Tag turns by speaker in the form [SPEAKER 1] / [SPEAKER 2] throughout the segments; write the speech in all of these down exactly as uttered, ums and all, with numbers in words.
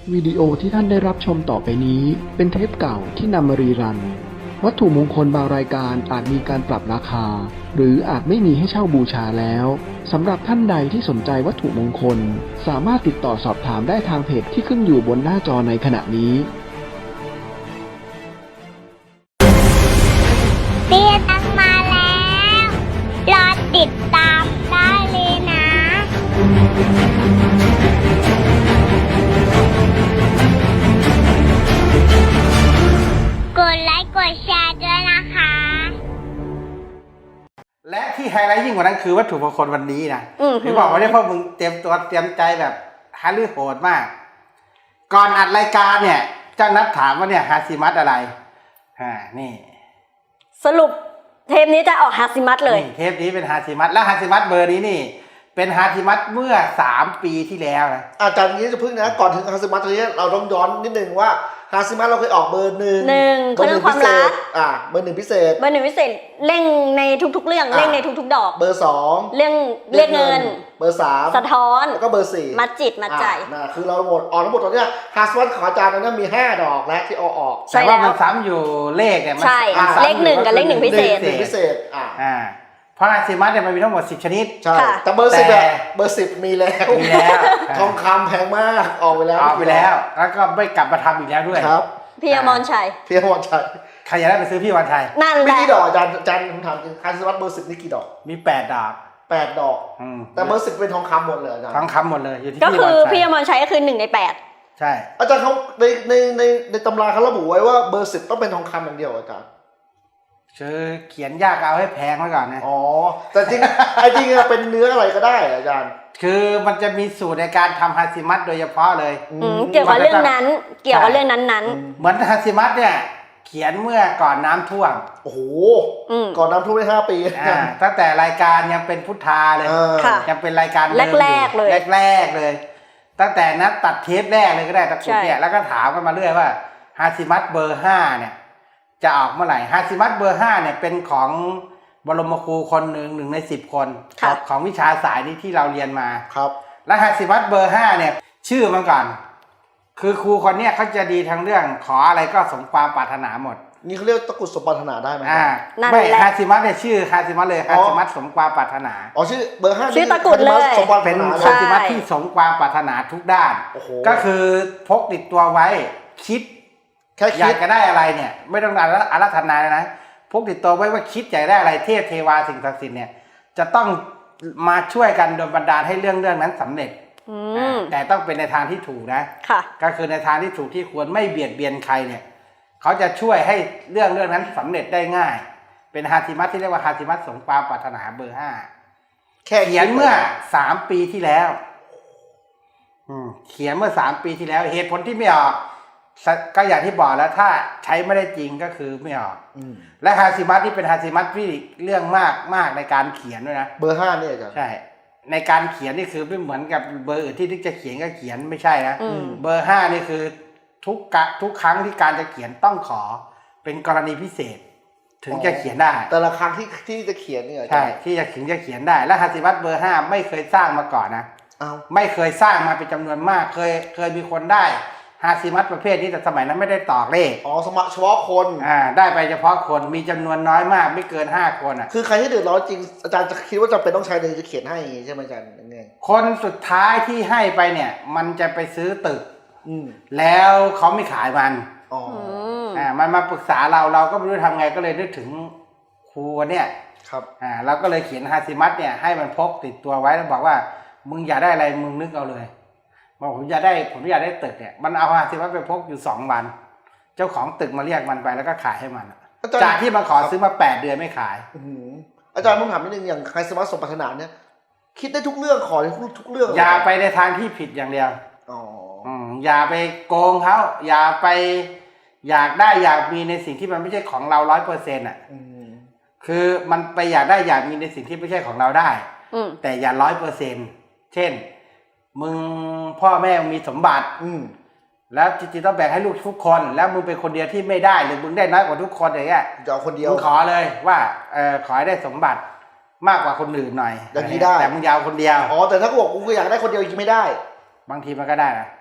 [SPEAKER 1] วิดีโอที่ท่านได้รับชมต่อไปนี้เป็นเทปเก่าที่นำมารีรันวัตถุมงคลบางรายการอาจมีการปรับราคาหรืออาจไม่มีให้เช่าบูชาแล้วสำหรับท่านใดที่สนใจวัตถุมงคลสามารถติดต่อสอบถามได้ทางเพจที่ขึ้นอยู่บนหน้าจอในขณะนี้
[SPEAKER 2] เตี้ยตังมาแล้วรอติดตามได้เลยนะกดไลค์กดแชร์ด้วยนะคะ
[SPEAKER 3] และที่ไฮไลท์ยิ่งกว่านั้นคือวัตถุมงคลวันนี้นะถึงบอกว่าเนี่ยพวกมึงเตรียมตัวเตรียมใจแบบฮาลือโหดมากก่อนอัดรายการเนี่ยเจ้านัดถามว่าเนี่ยฮาซิมัตอะไรอ่านี่
[SPEAKER 4] สรุปเทปนี้จะออกฮาซิมัตเลย
[SPEAKER 3] เทปนี้เป็นฮาซิมัตและฮาซิมัตเบอร์นี้นี่เป็นฮาซิมัตเมื่อสามปีที่แล้วนะ
[SPEAKER 5] อาจารย์นี้จะพึ่งนะก่อนถึงฮาซิมัตนี้เราต้องย้อนนิดนึงว่าฮาซิมัตเราเคยออกเบอร์หนึ่ง
[SPEAKER 4] หนึ่งเรื่องความรัก
[SPEAKER 5] อ่าเบอร์หนึ่งพิเศษ
[SPEAKER 4] เบอร์หนึ่งพิเศษเร่งในทุกๆเรื่องเร่งในทุกๆดอก
[SPEAKER 5] เบอร์สอง
[SPEAKER 4] เรื่องเรียกเงิน
[SPEAKER 5] เบอร์สาม
[SPEAKER 4] สะท้อน
[SPEAKER 5] แล้วก็เบอร์สี่
[SPEAKER 4] มัดจิตมัดใจ
[SPEAKER 5] นะคือเราหมดออกทั้งหมดตอนนี้ฮาซิมัตของอาจารย์นั้นมีห้าดอกแล้วที่เอาออก
[SPEAKER 3] แต่ว่ามันซ้ำอยู่เลขเนี่ย
[SPEAKER 4] ใช่เลขหนึ่งกับเลขหนึ่งพิเศษ
[SPEAKER 5] พิเศษอ่า
[SPEAKER 3] อ่าเพราะฮาซิมัตเนี่ยมันมีทั้งหมดสิบชนิด
[SPEAKER 5] ใช่แต่เบอร์สิบเบอร์สิบมีแล้ว
[SPEAKER 3] มีแล้ว
[SPEAKER 5] ทองคำแพงมากออกไปแล้ว
[SPEAKER 3] ออกไปแล้วแล้วก็ไม่กลับมาทำอีกแล้วด้วย
[SPEAKER 5] ครับ
[SPEAKER 4] พี่อมรชัย
[SPEAKER 5] พี่อมรชัย
[SPEAKER 3] ใครอยากได้ไปซื้อพี่วันชัย
[SPEAKER 4] นั่นแหละ
[SPEAKER 5] มีกี่ดอกอาจารย์อาจารย์ผมถามจริงฮาซิมัตเบอร์สิบนี่กี่ดอก
[SPEAKER 3] มีแปดดอก
[SPEAKER 5] แปดดอกแต่เบอร์สิบเป็นทองคำหมดเลยอาจารย์
[SPEAKER 3] ทองคำหมดเลยอยู่ที่
[SPEAKER 4] ก็คือพี่อมรชัยก็คือหนึ่งในแปด
[SPEAKER 3] ใช่
[SPEAKER 5] อาจารย์เขาในในในในตำราเขาระบุไว้ว่าเบอร์สิบต้องเป็นทองคำอย่างเดียวอาจารย์
[SPEAKER 3] คือเขียนยากเอาให้แพงไว้ก่อนนะ
[SPEAKER 5] อ๋อแต่จริงไอ้จริงเป็นเนื้ออะไรก็ได้อาจารย์
[SPEAKER 3] คือมันจะมีสูตรในการทำฮาซิมัตโดยเฉพาะเลย
[SPEAKER 4] เกี่ยวกับเรื่องนั้นเกี่ยวกับเรื่องนั้น
[SPEAKER 3] ๆเหมือนฮาซิมัตเนี่ยเขียนเมื่อก่อนน้ำท่วม
[SPEAKER 5] โอ้โหก่อนน้ำท่วมได้ห้าปี
[SPEAKER 3] ตั้งแต่รายการยังเป็นพุทธาเลยยังเป็นรายการ
[SPEAKER 4] แรกๆเลย
[SPEAKER 3] แรกๆเลยตั้งแต่นัดตัดเทปแรกเลยก็ได้ตะกุดเนี่ยแล้วก็ถามกันมาเรื่อยว่าฮาซิมัตเบอร์ห้าเนี่ยจะออกเมื่อไหร่ฮาซิมัตเบอร์ห้าเนี่ยเป็นของบรมครูคนหนึ่งหนึ่งในสิบคนของวิชาสายนี้ที่เราเรียนมา
[SPEAKER 5] ครับ
[SPEAKER 3] และฮาซิมัตเบอร์ห้าเนี่ยชื่อมันก่อนคือครูคนเนี้ยเขาจะดีทั้งเรื่องขออะไรก็สมความปรารถนาหมด
[SPEAKER 5] นี่เขาเรียกตะกุดสมปรารถนาได้ไหม
[SPEAKER 3] อ่าไม่ฮาซิมัตเนี่ยชื่อฮาซิมัตเลยฮาซิมัตสมความปรารถนา
[SPEAKER 5] อ๋อชื่อเบอร์ห้า
[SPEAKER 4] ชื่อตะกุดเลย
[SPEAKER 3] เป็นฮาซิมัตที่สมความปรารถนาทุกด้านก็คือพกติดตัวไว้คิด
[SPEAKER 5] แค่
[SPEAKER 3] อยากจะได้อะไรเนี่ยไม่ต้องอาราธนาเลยนะพกติดตัวไว้ว่าคิดอยากได้อะไรเทพเทวาสิ่งศักดิ์สิทธิ์เนี่ยจะต้องมาช่วยกันโดนบันดาลให้เรื่องเรื่องนั้นสำเร็จแต่ต้องเป็นในทางที่ถูกนะก็คือในทางที่ถูกที่ควรไม่เบียดเบียนใครเนี่ยเขาจะช่วยให้เรื่องเรื่องนั้นสำเร็จได้ง่ายเป็นฮาซิมัตที่เรียกว่าฮาซิมัตสมความปรารถนาเบอร์ห้าเขียนเมื่อสามปีที่แล้วเขียนเมื่อสามปีที่แล้วเหตุผลที่ไม่ออกก็อย่างที่บอกแล้วถ้าใช้ไม่ได้จริงก็คือไม่ออกและฮาซิมัตที่เป็นฮาซิมัตที่เรื่องมากมากในการเขียนด้วยนะ
[SPEAKER 5] เบอร์ห้าเนี่ยจ้ะ
[SPEAKER 3] ใช่ในการเขียนนี่คือไม่เหมือนกับเบอร์อื่นที่นึกจะเขียนก็เขียนไม่ใช่นะเบอร์ห้านี่คือทุกกะทุกครั้งที่การจะเขียนต้องขอเป็นกรณีพิเศษถึงจะเขียนได้
[SPEAKER 5] แต่ละครั้งที่ที่จะเขียนเนี่ย
[SPEAKER 3] ใช่ที่จะถึงจะเขียนได้และฮาซิมัตเบอร์ห้าไม่เคยสร้างมาก่อนนะไม่เคยสร้างมาเป็นจำนวนมากเคยเคยมีคนได้ฮาซิมัตประเภทนี้แต่สมัยนั้นไม่ได้ตอกเลข
[SPEAKER 5] อ๋อสมัครเฉพาะคน
[SPEAKER 3] อ่าได้ไปเฉพาะคนมีจำนวนน้อยมากไม่เกินห้าคนอ่ะ
[SPEAKER 5] คือใครที่เดือดร้อนจริงอาจารย์จะคิดว่าจะเป็นต้องใช้เลยจะเขียนให้ใช่ไหมอาจารย์ยังไง
[SPEAKER 3] คนสุดท้ายที่ให้ไปเนี่ยมันจะไปซื้อตึกแล้วเขาไม่ขายมัน
[SPEAKER 5] อ๋อ
[SPEAKER 3] อ่ามันมาปรึกษาเราเราก็ไม่รู้ทำไงก็เลยนึกถึงครูเนี่ย
[SPEAKER 5] ครับ
[SPEAKER 3] อ่าเราก็เลยเขียนฮาซิมัตเนี่ยให้มันพกติดตัวไว้แล้วบอกว่ามึงอยากได้อะไรมึงนึกเอาเลยบอกผมอยากได้ผมอยากได้ตึกเนี่ยมันเอาฮาซิมัตไปพกอยู่สองวันเจ้าของตึกมาเรียกมันไปแล้วก็ขายให้มันจากที่มาขอซื้อมาแปดเดือนไม่ขาย
[SPEAKER 5] อาจารย์ผมถามนิดนึงอย่างฮาซิมัตสมปรารถนาเนี่ยคิดได้ทุกเรื่องขอได้ทุกเรื่อง
[SPEAKER 3] อย่าไปในทางที่ผิดอย่างเดียว
[SPEAKER 5] อ๋อ
[SPEAKER 3] อย่าไปโกงเขาอย่าไปอยากได้อยากมีในสิ่งที่มันไม่ใช่ของเราร้อยเปอร์เซ็นต์อ่ะคือมันไปอยากได้อยากมีในสิ่งที่ไม่ใช่ของเราได้แต่อย่าร้อยเปอร์เซ็นต์เช่นมึงพ่อแม่มีสมบัติแล้วจริงๆต้องแบ่งให้ลูกทุกคนแล้วมึงเป็นคนเดียวที่ไม่ได้หรือมึงได้น้อยกว่าทุกคนอย่างเงี้ย
[SPEAKER 5] จะเอาคนเดียว
[SPEAKER 3] มึงขอเลยว่าเออขอให้ได้สมบัติมากกว่าคนอื่นหน่อย
[SPEAKER 5] อย่างนี้ได้
[SPEAKER 3] แต่มึงยาวคนเดียว
[SPEAKER 5] อ๋อแต่ถ้ากูบอกกูอยากได้คนเดียวยังไม่ได้
[SPEAKER 3] บางทีมันก็ได้นะ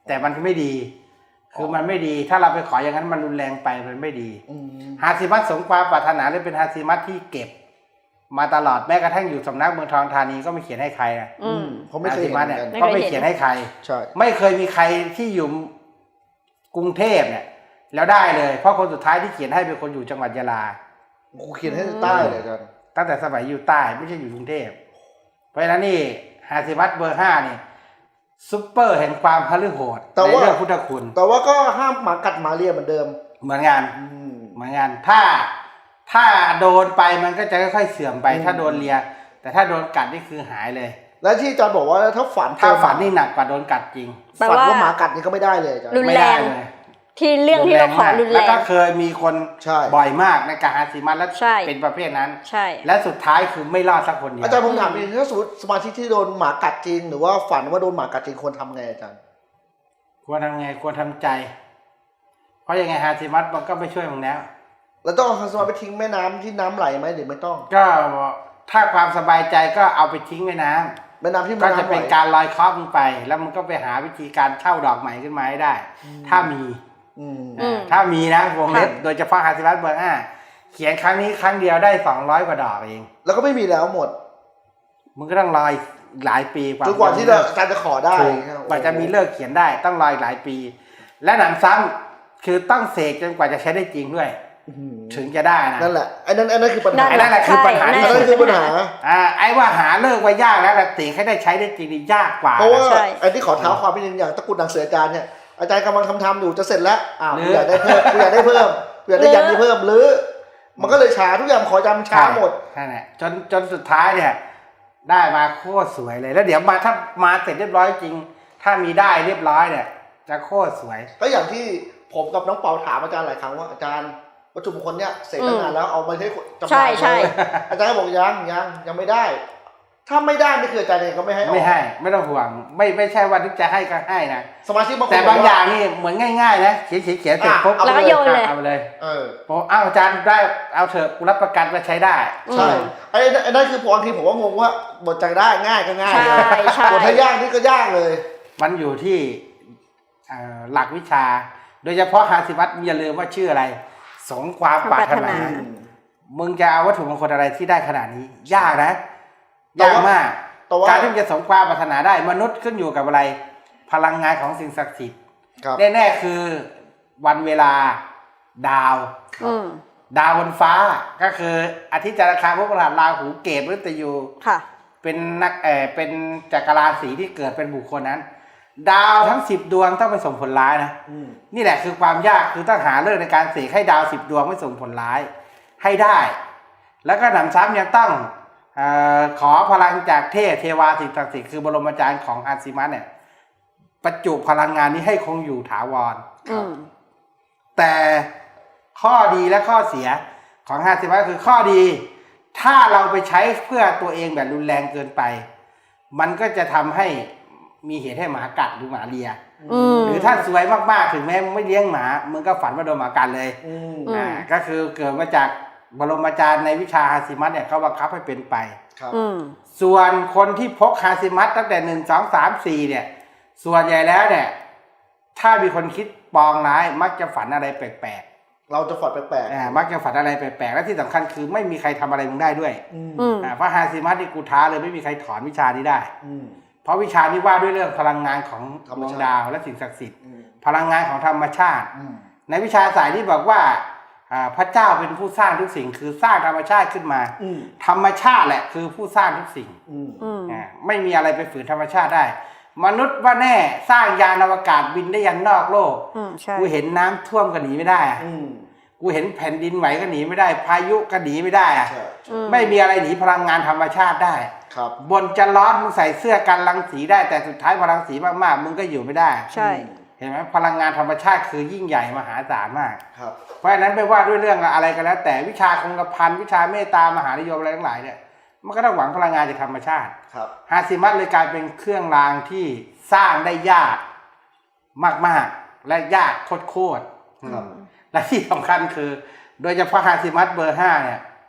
[SPEAKER 3] แต่มันไม่ดี คือมันไม่ดีถ้าเราไปขออย่างนั้นมันรุนแรงไปมันไม่ดี
[SPEAKER 5] อืม
[SPEAKER 3] ฮาซิมัตสมความปรารถนาเลยเป็นฮาซิมัตที่เก็บ มาตลอดแม้กระทั่งอยู่สำนักเมืองทองธานีก็ไม่เขียนให้ใครนะ
[SPEAKER 4] อืม
[SPEAKER 5] ผมไม่เคยเห็น
[SPEAKER 3] ฮา
[SPEAKER 5] เห
[SPEAKER 3] ซิ
[SPEAKER 5] มือนกัน
[SPEAKER 3] มัตเนี่ยก็ไม่เขียนให้ใคร
[SPEAKER 5] ใช่
[SPEAKER 3] ไม่เคยมีใครที่อยู่กรุงเทพเนี่ยแล้วได้เลยเพราะคนสุดท้ายที่เขียนให้เป็นคนอยู่จังหวัดยะลา
[SPEAKER 5] กูเขียนให้ใต้เลยอาจารย์
[SPEAKER 3] ตั้งแต่สมัยอยู่ใต้ไม่ใช่อยู่กรุงเทพเพราะฉะนั้นนี่ฮาซิมัตเบอร์ห้านี่ซุปเปอร์แห่งความพฤโหดในเรื่องพุทธคุณ
[SPEAKER 5] แต่ว่าก็ห้ามหมากัดหมาเลียเหมือนเดิม
[SPEAKER 3] เหมือนกัน
[SPEAKER 5] อืม
[SPEAKER 3] เหมือนกันถ้าถ้าโดนไปมันก็จะค่อยๆเสื่อมไป
[SPEAKER 5] อืม
[SPEAKER 3] ถ้าโดนเลีย แต่ถ้าโดนกัดนี่คือหายเลย
[SPEAKER 5] แล้วที่อาจารย์บอกว่าถ้าฝัน
[SPEAKER 3] ถ้าฝันนี่หนักกว่าโดนกัดจริง
[SPEAKER 4] แปล
[SPEAKER 5] ฝัน
[SPEAKER 4] ว่า
[SPEAKER 5] ว่าหมากัดนี่ก็ไม่ได้เลยอาจารย์
[SPEAKER 4] รุน
[SPEAKER 3] ไม่
[SPEAKER 4] แร
[SPEAKER 3] ได้
[SPEAKER 4] ง
[SPEAKER 3] เลย
[SPEAKER 4] ที่เรื่องที่เราขอรุนแร
[SPEAKER 3] แล้ว
[SPEAKER 4] ง
[SPEAKER 3] ก็เคยมีคน
[SPEAKER 5] ใช่
[SPEAKER 3] บ่อยมากในการฮาซิมัตแล้ว
[SPEAKER 4] ใช่
[SPEAKER 3] เป็นประเภทนั้น
[SPEAKER 4] ใช่
[SPEAKER 3] และสุดท้ายคือไม่รอดสักคนเดียว
[SPEAKER 5] อาจารย์ผมถามนิดนึงถ้าสมมติสมาชิกที่โดนหมากัดจริง หรือว่าฝันว่าโดนหมากัดจริงควรทำไงอาจารย์
[SPEAKER 3] ควรทำไงควรทำใจ เพราะยังไงฮาซิมัตมันก็ไม่ช่วยมึงแล้ว
[SPEAKER 5] แล้วต้องเอาสมาไปทิ้งแม่น้ำที่น้ำไหลไหมหรือไม่ต้อง
[SPEAKER 3] ก็ถ้าความสบายใจก็เอาไปทิ้งไว้น้ำ
[SPEAKER 5] แม่น้ำที่
[SPEAKER 3] ก็
[SPEAKER 5] น้ำ
[SPEAKER 3] จะ
[SPEAKER 5] ไหล
[SPEAKER 3] เป็นการลอยเคราะห์มึงไป แล้วมึงก็ไปหาวิธีการเช่าดอกใหม่ขึ้นมาให้ได้ ถ้ามี
[SPEAKER 5] อืม
[SPEAKER 4] อืม
[SPEAKER 3] ถ้ามีนะวงเล็บ
[SPEAKER 4] ค่ะ
[SPEAKER 3] โดยเฉพาะฮาซิมัตเบอร์ห้าเขียนครั้งนี้ครั้งเดียวได้สองร้อยกว่าดอกเอง
[SPEAKER 5] แล้วก็ไม่มีแล้วหมด
[SPEAKER 3] มึงก็ต้องรออีกหลายปีกว่า
[SPEAKER 5] จนกว่าที่เราอาจารย์จะขอได้
[SPEAKER 3] ถูกกว่าจะมีเลิกเขียนได้ต้องรออีกหลายปี และหนำซ้ำคือต้องเสกจนกว่าจะใช้ได้จริงด้วย
[SPEAKER 5] อื้อหือ
[SPEAKER 3] ถึงจะได้นะ
[SPEAKER 5] นั่นแหละไอ้นั่นไอ้นั่นคือปัญหา
[SPEAKER 3] ไอ้นั่นแหละคือปัญหา
[SPEAKER 4] ใช่
[SPEAKER 3] ที่
[SPEAKER 5] อัน
[SPEAKER 3] สุ
[SPEAKER 5] นั้
[SPEAKER 3] ด
[SPEAKER 5] นคือปัญหา
[SPEAKER 3] อ่าไอ้ว่าหาเลิกไว้ยากแล้วแต่เสกให้ได้ใช้ได้จริงนี่ยากกว่า
[SPEAKER 5] เพราะว่า
[SPEAKER 4] ใช่
[SPEAKER 5] ไอ้ที่ขอเท้าความเป็นอย่างตะกรุดหนังสืออาจารย์เนี่ยอาจารย์กำลังทำทำอยู่จะเสร็จแล้วอ้าว
[SPEAKER 3] หรื
[SPEAKER 5] กู
[SPEAKER 3] อ
[SPEAKER 5] อยากได้เพิ่มกูอยากได้เพิ่มกูอยากได้ยันนี้เพิ่มหรือ มันก็เลยช้าทุกอย่างขอจำช้าหมด
[SPEAKER 3] ใช่แหละจนจนสุดท้ายเนี่ย ได้มาโคตรสวยเลยแล้วเดี๋ยวมาถ้ามาเสร็จเรียบร้อยจริง ถ้ามีได้เรียบร้อยเนี่ย จะโคตรสวย
[SPEAKER 5] ก็อย่างที่ผมกับน้องเปาถามอาจารย์หลายครั้งว่าอาจารย์วัตถุมงคลเนี่ยเสร็จตั้งนานแล้วเอามาให้จำห
[SPEAKER 4] ใช่
[SPEAKER 5] น่าย
[SPEAKER 4] ใช่
[SPEAKER 5] เลยอาจารย์ก็บอกยังยังยังไม่ได้ ถ้าไม่ได้นี่คืออาจารย์เองก็ไม่ให้ออก
[SPEAKER 3] ไม่ให้ไม่ต้องห่วง ไม่ไม่ใช่ว่าที่จะให้ก็ให้นะ
[SPEAKER 5] สมาชิกบางคน
[SPEAKER 3] แต่บาง
[SPEAKER 5] ก
[SPEAKER 3] อ
[SPEAKER 5] ว่
[SPEAKER 3] ย่างนี่เหมือนง่ายๆนะเขียนเขียนเขียนเสร็จ
[SPEAKER 5] อ่ะ
[SPEAKER 3] ปุ๊บ
[SPEAKER 5] เอาไป
[SPEAKER 4] แล้วก็โยนเลย
[SPEAKER 3] เอาไปเลย
[SPEAKER 5] เออ
[SPEAKER 3] บอกอ้าวอาจารย์ได้เอาเถอะกูรับประกันว่าใช้ได้
[SPEAKER 5] ใช่ไอ้ไอ้นั่นคือพอบางทีผมว่างงว่าบทจังได้ง่ายก็ง่ายเลย
[SPEAKER 4] ใช่ใช่
[SPEAKER 5] บทถ้ายากนี่ก็ยากเลย
[SPEAKER 3] มันอยู่ที่เอ่อหลักวิชา โดยเฉพาะฮาซิมัตอย่าลืมว่าชื่ออะไร สงความปรารถนา
[SPEAKER 4] อื
[SPEAKER 3] มึงจะเอาวัตถุมงคลอะไรที่ได้ขนาดนี้ ยากนะ
[SPEAKER 5] แต่
[SPEAKER 3] ยาก
[SPEAKER 5] ว่า
[SPEAKER 3] มาก
[SPEAKER 5] แต่ว่า
[SPEAKER 3] การที่จะสมความปรารถนาได้มนุษย์ขึ้นอยู่กับอะไร พลังงานของสิ่งศักดิ์สิทธิ์
[SPEAKER 5] ครับ
[SPEAKER 3] แน่ๆคือวันเวลาดาว
[SPEAKER 4] อืม
[SPEAKER 3] ดาวบนฟ้าก็คืออาทิตย์จันทร์อังคารพฤหัสราหูเกตมฤตยู
[SPEAKER 4] ค่ะ
[SPEAKER 3] เป็นนักเออเป็นจักรราศีที่เกิดเป็นบุคคลนั้น ดาวทั้งสิบดวงต้องไปส่งผลร้ายนะ
[SPEAKER 5] อืม
[SPEAKER 3] นี่แหละคือความยากคือต้องหาเรื่องในการเสกให้ดาวสิบดวงไม่ส่งผลร้ายให้ได้ แล้วก็หนำซ้ำยังต้องเออขอพลังจากเทพเทวาสิ่งศักดิ์สิทธิ์คือบรมอาจารย์ของฮาซิมัสเนี่ยประจุพลังงานนี้ให้คงอยู่ถาวร
[SPEAKER 4] อืม
[SPEAKER 3] แต่ข้อดีและข้อเสียของฮาซิมัสคือข้อดี ถ้าเราไปใช้เพื่อตัวเองแบบรุนแรงเกินไป มันก็จะทำให้มีเหตุให้หมากัดหรือหมาเลีย
[SPEAKER 4] อืม
[SPEAKER 3] หรือถ้าสวยมากๆถึงแม้มึงไม่เลี้ยงหมามึงก็ฝันว่าโดนหมากัดเลย
[SPEAKER 5] อืม
[SPEAKER 4] อืม
[SPEAKER 3] อ่าก็คือเกิดมาจากบรมอาจารย์ในวิชาฮาซิมัสเนี่ยเขาบังคับให้เป็นไป
[SPEAKER 5] ครับ
[SPEAKER 4] อืม
[SPEAKER 3] ส่วนคนที่พกฮาซิมัสตั้งแต่หนึ่งสองสามสี่เนี่ย ส่วนใหญ่แล้วเนี่ย ถ้ามีคนคิดปองร้ายมักจะฝันอะไรแปลก
[SPEAKER 5] เราจะฝันแปลก
[SPEAKER 3] ๆอ่ามักจะฝันอะไรแปลกๆและที่สำคัญคือไม่มีใครทำอะไรมึงได้ด้วย
[SPEAKER 5] ๆอืม
[SPEAKER 4] อืม
[SPEAKER 3] อ่าเพราะฮาซิมัสนี่กูท้าเลยไม่มีใครถอนวิชานี้ได้
[SPEAKER 5] อืม
[SPEAKER 3] เพราะวิชานี้ว่าด้วยเรื่องพลังงานของ
[SPEAKER 5] ธรร
[SPEAKER 3] ด
[SPEAKER 5] ม
[SPEAKER 3] วง
[SPEAKER 5] ชาติ
[SPEAKER 3] ดาวและสิ่งศักดิ์สิทธิ์
[SPEAKER 5] อืม
[SPEAKER 3] พลังงานของธรรมชาติ
[SPEAKER 5] อืม
[SPEAKER 3] ในวิชาสายที่บอกว่าอ่าพระเจ้าเป็นผู้สร้างทุกสิ่ง คือสร้างธรรมชาติขึ้นมา
[SPEAKER 5] อืม
[SPEAKER 3] ธรรมชาติแหละคือผู้สร้างทุกสิ่ง
[SPEAKER 5] อืม
[SPEAKER 4] อืม
[SPEAKER 3] อ่าไม่มีอะไรไปฝืนธรรมชาติได้ มนุษย์ว่าแน่สร้างยานอวกาศบินได้ยันนอกโลก
[SPEAKER 4] อืม ใช่
[SPEAKER 3] กูเห็นน้ำท่วมก็หนีไม่ได้อะ
[SPEAKER 5] อืม
[SPEAKER 3] กูเห็นแผ่นดินไหวก็หนีไม่ได้ พายุก็หนีไม่ได้อะ
[SPEAKER 5] ใช่
[SPEAKER 4] อืม
[SPEAKER 3] ไม่มีอะไรหนีพลังงานธรรมชาติได้
[SPEAKER 5] ครับ
[SPEAKER 3] บนจะร้อนมึงใส่เสื้อกันรังสีได้แต่สุดท้ายพลังสีมากๆมึงก็อยู่ไม่ได้
[SPEAKER 4] ใช่
[SPEAKER 3] เห็นไหมพลังงานธรรมชาติคือยิ่งใหญ่มหาศาลมาก
[SPEAKER 5] ครับ
[SPEAKER 3] เพราะฉะนั้นไม่ว่าด้วยเรื่องอะไรก็แล้ว แต่วิชาคงกระพันวิชาเมตตามหานิยมอะไรทั้งหลายเนี่ยมันก็ต้องหวังพลังงานจากธรรมชาติ
[SPEAKER 5] ครับ
[SPEAKER 3] ฮาซิมัสเลยกลายเป็นเครื่องรางที่สร้างได้ยากมากๆและยากโคตรๆ
[SPEAKER 5] ครับ
[SPEAKER 3] และที่สำคัญคือ โดยเฉพาะฮาซิมัสเบอร์ห้าเนี่ย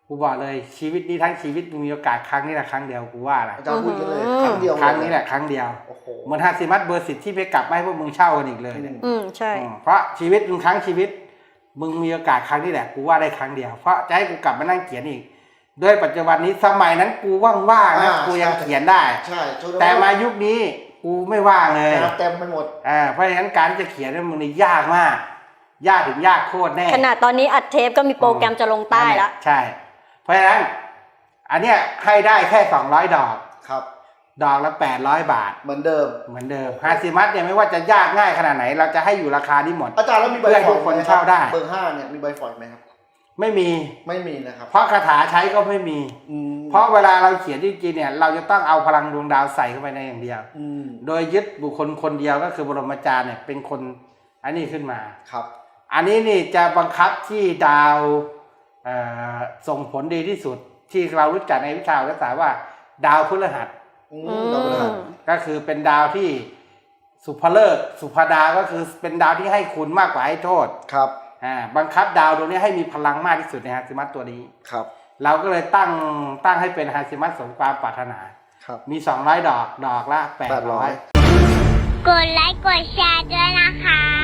[SPEAKER 3] กูบอกเลยชีวิตนี้ทั้งชีวิตมึงมีโอกาสครั้งนี้แหละครั้งเดียวกูว่าแหละ
[SPEAKER 5] อาจารย์พูดกันเลยครั้งเดียว
[SPEAKER 3] ครั้งนี้แหละครั้งเดียว
[SPEAKER 5] โอ้โห
[SPEAKER 3] เหมือนฮาซิมัตเบอร์สิทธิ์ที่ไปกลับมาให้พวกมึงเช่ากันอีกเลยเนี่ย
[SPEAKER 4] อืมใช่
[SPEAKER 3] อืมเพราะชีวิตมึงครั้งชีวิตมึงมีโอกาสครั้งนี้แหละกูว่าได้ครั้งเดียวเพราะจะให้กูกลับมานั่งเขียนอีกด้วยปัจจุบันนี้สมัยนั้นกูว่างๆนะกูยังเขียนได้
[SPEAKER 5] ใช่ช่วงนั้น
[SPEAKER 3] แต่มายุคนี้กูไม่ว่างเลย
[SPEAKER 5] งานเต็มไปหมด
[SPEAKER 3] อ่าเพราะฉะนั้นการที่จะเขียนเนี่ยมันนี่ยากมาก ยากถึงยากโคตรแน่
[SPEAKER 4] ขนาดตอนนี้อัดเทปก็มีโปรแกรมจะลงใต้แล้ว
[SPEAKER 3] ใช่ เพราะฉะนั้น อันเนี้ยให้ได้แค่สองร้อยดอก
[SPEAKER 5] ครับ
[SPEAKER 3] ดอกละแปดร้อยบาท
[SPEAKER 5] เหมือนเดิม
[SPEAKER 3] เหมือนเดิมฮาซิมัตเนี่ยไม่ว่าจะยากง่ายขนาดไหน เราจะให้อยู่ราคานี้หมด
[SPEAKER 5] อาจารย์แล้วมีใบ
[SPEAKER 3] เพื่อให้
[SPEAKER 5] ฝ
[SPEAKER 3] ทุ
[SPEAKER 5] อย
[SPEAKER 3] กคน
[SPEAKER 5] ไหม
[SPEAKER 3] เช่าได้
[SPEAKER 5] เบอร์ห้าเนี่ยมีใบฝอยไหมครับ
[SPEAKER 3] ไม่มี
[SPEAKER 5] ไม่มีนะครับ
[SPEAKER 3] เพราะคาถาใช้ก็ไม่มี
[SPEAKER 5] อืม
[SPEAKER 3] เพราะเวลาเราเขียนจริงๆเนี่ย เราจะต้องเอาพลังดวงดาวใส่เข้าไปในอย่างเดียว
[SPEAKER 5] อืม
[SPEAKER 3] โดยยึดบุคคลคนเดียวก็คือบรมอาจารย์เนี่ยเป็นคนอันนี้ขึ้นมา
[SPEAKER 5] ครับ
[SPEAKER 3] อันนี้นี่จะบังคับที่ดาวเอ่อส่งผลดีที่สุด ที่เรารู้จักในวิชาวิทยาศาสตร์ว่า ดาวพฤหัส
[SPEAKER 5] อื
[SPEAKER 4] อื
[SPEAKER 5] ม
[SPEAKER 4] ม
[SPEAKER 5] ดาวพฤหัส
[SPEAKER 3] ก็คือเป็นดาวที่สุภเลิกษ์สุภดาก็คือเป็นดาวที่ให้คุณมากกว่าให้โทษ
[SPEAKER 5] ครับ
[SPEAKER 3] อ่าบังคับดาวดวงนี้ให้มีพลังมากที่สุดในฮาซิมัตตัวนี้
[SPEAKER 5] ครับ
[SPEAKER 3] เราก็เลยตั้งตั้งให้เป็นฮาซิมัตสมความปรารถนา
[SPEAKER 5] ครับ
[SPEAKER 3] มีสองร้อยดอกดอกละแปดร้อย
[SPEAKER 2] กดไลค์กดแชร์ด้วยนะคะ